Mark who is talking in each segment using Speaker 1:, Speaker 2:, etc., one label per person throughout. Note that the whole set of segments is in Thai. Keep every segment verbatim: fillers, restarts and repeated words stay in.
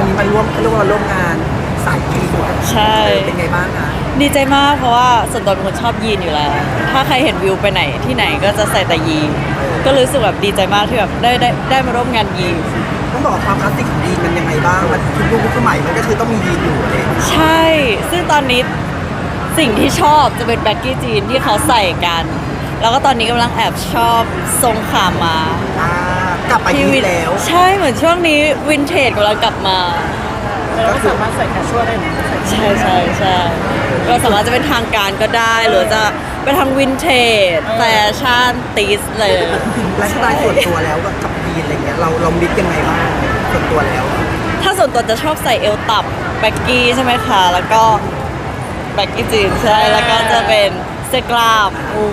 Speaker 1: วันนี้มาร่วมเรียกว่าร่วมงานสายยีนส์
Speaker 2: ใช่
Speaker 1: เป็นไงบ้างคะ
Speaker 2: ดีใจมากเพราะว่าส่วนตัวเป็นคนชอบยีนอยู่แล้ว ถ้าใครเห็นวิวไปไหนที่ไหนก็จะใส่แต่ยีน ก็รู้สึกแบบดีใจมากที่แบบได้ได้ได้มาร่วมงานยีน
Speaker 1: ต้องบอกความคลาสสิกของยีนมันยังไงบ้างมันทุกยุคทุกสมัยมันก็คือต้องมียีนอยู่เลย
Speaker 2: ใช่ ซึ่งตอนนี้สิ่งที่ชอบจะเป็นแบ็กกี้จีนที่เขาใส่กัน แล้วก็ตอนนี้กำลังแอบชอบทรงขามา
Speaker 1: อ่ากลับไปยีน
Speaker 2: วิน
Speaker 1: แล้ว
Speaker 2: ใช่เหมือนช่วงนี้วินเทจกำลังกลับมา
Speaker 1: ก็สามารถใส่แคชชวลได้ไหม
Speaker 2: ใช่ใช่ใช่ก็สามารถจะเป็นทางการก็ได้ หรือจะไปทางวินเทจแฟชั่นติสเลย
Speaker 1: ไลฟ์สไตล์ส่วนตัวแล้วกับยีนอะไรเงี้ยเราเรามิกยังไงบ้างส่วนตัวแล้ว
Speaker 2: ถ้าส่วนตัวจะชอบใส่เอวต่ำแบ็กกี้ใช่ไหมคะ แล้วก็แบ็กกี้จีนใช่ แล้วก็จะเป็นเสื้อกล้ามอู้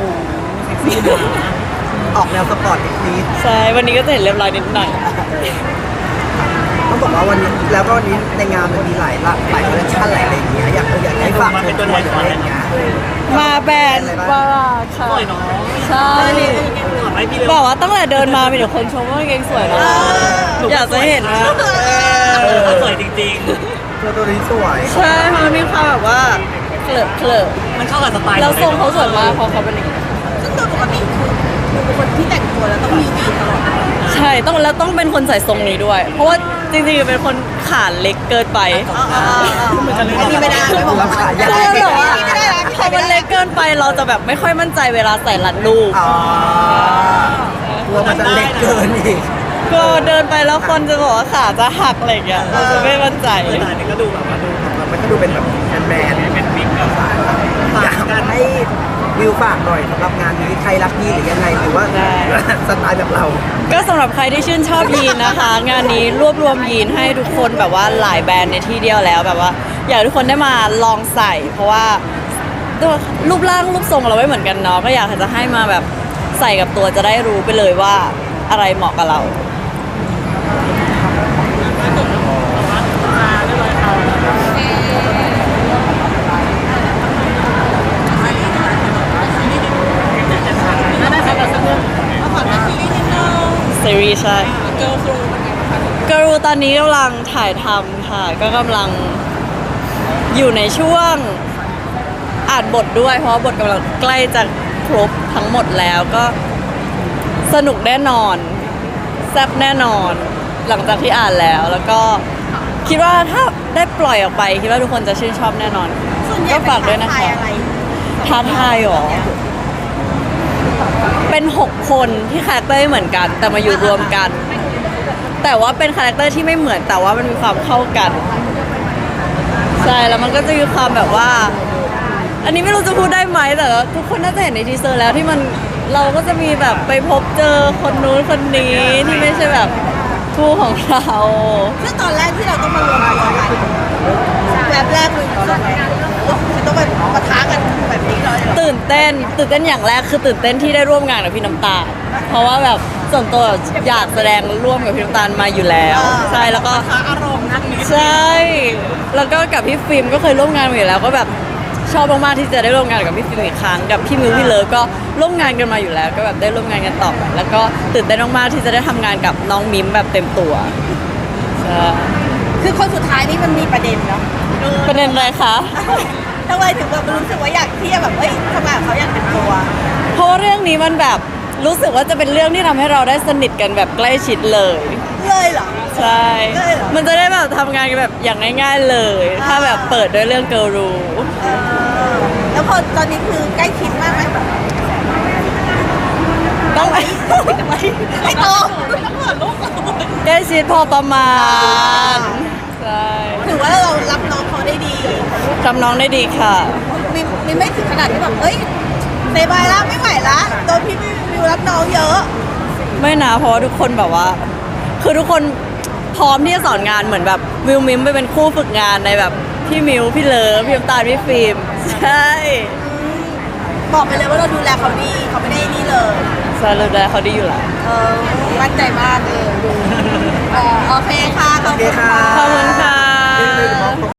Speaker 1: ออกแนวสปอร์ตนิดนิด
Speaker 2: ใช่ วันนี้ก็จะเห็นเรียบร้อยนิดหน่อย
Speaker 1: ต้องบอกว่าวันนี้แล้วก็วันนี้ในงานมันมีหลายหลากหลายคอลเลคชันหลายอะไรอย่างเงี้ยอยากอยากให้ฝากเชิญชวนอะไรอย่างเงี้ย
Speaker 2: มาแบรนด์ว่าค่ะ
Speaker 3: สวยเนาะ
Speaker 2: ใช่
Speaker 3: ถามให้พี่เลย
Speaker 2: บอกว่าตั้งแต่เดินมามีแต่คนชมว่ากางเกงสวยนะอยากจะเห็นนะ
Speaker 3: สวยจริง
Speaker 1: ตัวตัวนี้สวย
Speaker 2: ใช่เพราะมันมีความแบบว่าเคลอะเคลอะ
Speaker 3: ๆ มันเข้ากับสไตล์
Speaker 2: แล้วทรงเขาสวยมากเพราะเขาเป็นอย่างนี้
Speaker 4: ซึ่งโดยปกติคือเป็นคนที่แต่งตัวแล้วต้องมีวีตลอด
Speaker 2: ใช่ต้องแล้วต้องเป็นคนใส่ทรงนี้ด้วย เพราะว่าจริงๆเป็นคนขาเล็กเกินไป
Speaker 4: อันนี้ไม่ได้ไม่บอกว่า
Speaker 1: ขาย
Speaker 2: ใช่
Speaker 1: ยาก
Speaker 2: แบบว่า
Speaker 4: ไม่ได้นะ
Speaker 2: พอมันเล็กเกินไปเราจะแบบไม่ค่อยมั่นใจเวลาใส่รัดรูป
Speaker 1: อ๋อกลัวมันจะเล็กเกินอีก
Speaker 2: ก็เดินไปแล้วคนจะบอกว่าขาจะหักอะไรอย่างเงี้ยเราจะไม่มั่นใจ
Speaker 3: สไตล์นี้ก็ดูแบบว่าดู
Speaker 1: มันก็ดูเป็นแบบแมนๆ
Speaker 3: เป็นบิ๊กกับสาย
Speaker 1: อยากให้วิวฝากหน่อยสำหรับงานนี้ใครรักยีนหรือยังไงหรือว่า
Speaker 2: ได้
Speaker 1: สไตล์แบบเรา
Speaker 2: ก็สำหรับใครที่ชื่นชอบยีนนะคะ งานนี้รวบรวมยีนให้ทุกคนแบบว่าหลายแบรนด์ในที่เดียวแล้วแบบว่า อยากให้ทุกคนได้มาลองใส่ เพราะว่าด้วยรูปร่างรูปทรงเราไม่เหมือนกันเนาะก็อยากจะให้มาแบบใส่กับตัวจะได้รู้ไปเลยว่าอะไรเหมาะกับเรา ซีรีส์ใช่
Speaker 4: เกิร์ลฟลูเป็นไงบ้างคะ
Speaker 2: กรูตอนนี้กำลังถ่ายทำค่ะ ก็กำลังอยู่ในช่วงอ่านบทด้วย เพราะว่าบทกำลังใกล้จะครบทั้งหมดแล้วก็สนุกแน่นอนแซ่บแน่นอน หลังจากที่อ่านแล้ว แล้วก็คิดว่าถ้าได้ปล่อยออกไป คิดว่าทุกคนจะชื่นชอบแน่นอน
Speaker 4: ส่วนใหญ่
Speaker 2: ก็ฝากด้วยนะคะ
Speaker 4: เป็อะไร
Speaker 2: ท้าทายหรอ เป็นหกคนที่คาแรคเตอร์ไม่เหมือนกัน แต่มาอยู่รวมกัน แต่ว่าเป็นคาแรคเตอร์ที่ไม่เหมือนแต่ว่ามันมีความเข้ากัน ใช่แล้วมันก็จะมีความแบบว่า อันนี้ไม่รู้จะพูดได้ไหมแต่ว่าทุกคนน่าจะเห็นในทีเซอร์แล้วที่มันเราก็จะมีแบบไปพบเจอคนนู้นคนนี้ที่ไม่ใช่แบบคู่ของเรา
Speaker 4: ซึ่งตอนแรกที่เราต้องมารวมตัวกันแบบแรกเลยคือต้องไปปะทะกันแบบนี้เลยเหรอ
Speaker 2: ตื่นเต้นตื่นเต้นอย่างแรกคือตื่นเต้นที่ได้ร่วมงานกับพี่น้ำตาลเพราะว่าแบบส่วนตัวอยากแสดงร่วมกับพี่น้ำตาลมาอยู่แล้วใช่แล้วก็
Speaker 4: ปะทะอารมณ์นักนี้
Speaker 2: ใช่ แล้วก็กับพี่ฟิล์มก็เคยร่วมงานมาอยู่แล้วก็แบบชอบมากๆที่จะได้ร่วมงานกับพี่ฟิล์มอีกครั้งกับพี่มิวพี่เลิฟก็ร่วมงานกันมาอยู่แล้ว ก็แบบได้ร่วมงานกันต่อไปแล้วก็ตื่นเต้นมากๆที่จะได้ทำงานกับน้องมิมแบบเต็มตัวใช่
Speaker 4: คือคนสุดท้ายนี่มันมีประเด็นเนาะ
Speaker 2: ประเด็นอะไรคะ
Speaker 4: ทำไมถึงแบบรู้สึกว่าอยากที่จะแบบเอ้ยทำงานกับเขาอยากเป็นตัว
Speaker 2: เพราะว่าเรื่องนี้มันแบบรู้สึกว่าจะเป็นเรื่องที่ทำให้เราได้สนิทกันแบบใกล้ชิดเลย
Speaker 4: เลยเหรอ
Speaker 2: ใช่
Speaker 4: ได้เหรอ
Speaker 2: มันจะได้แบบทำงานกันแบบอย่างง่าย ๆเลย ถ้าแบบเปิดด้วยเรื่องเกิร์ลรู
Speaker 4: เออแล้วพอตอนนี้คือใกล้ชิดมากไหมแบบ
Speaker 2: ต้อง
Speaker 4: ไอ้โตลูก
Speaker 2: ใกล้ชิดพอประมาณใช่
Speaker 4: ถือว่าเรารับน้องเขาได้ดี
Speaker 2: ทำน้องได้ดีค่ะ
Speaker 4: มีมีไม่ถึงขนาดที่แบบเอ้ยเซบายแล้วไม่ไหวละโดนพี่มิวรับน้องเยอะ
Speaker 2: ไม่นะเพราะว่าทุกคนแบบว่า คือทุกคนพร้อมที่จะสอนงานเหมือนแบบวิวมิมไปเป็นคู่ฝึกงานในแบบพี่มิวพี่เลิฟพี่น้ำตาลพี่ฟิล์มใช่
Speaker 4: บอกไปเลยว่าเราดูแลเขาดีเขาไม่ได้นี่เลย
Speaker 2: ใช่เลยเขาดีอยู่แล้ว
Speaker 4: เออมั่นใจมากเลยดูเออโอเคค่ะขอบคุณค่ะ
Speaker 2: ขอบคุณค่ะ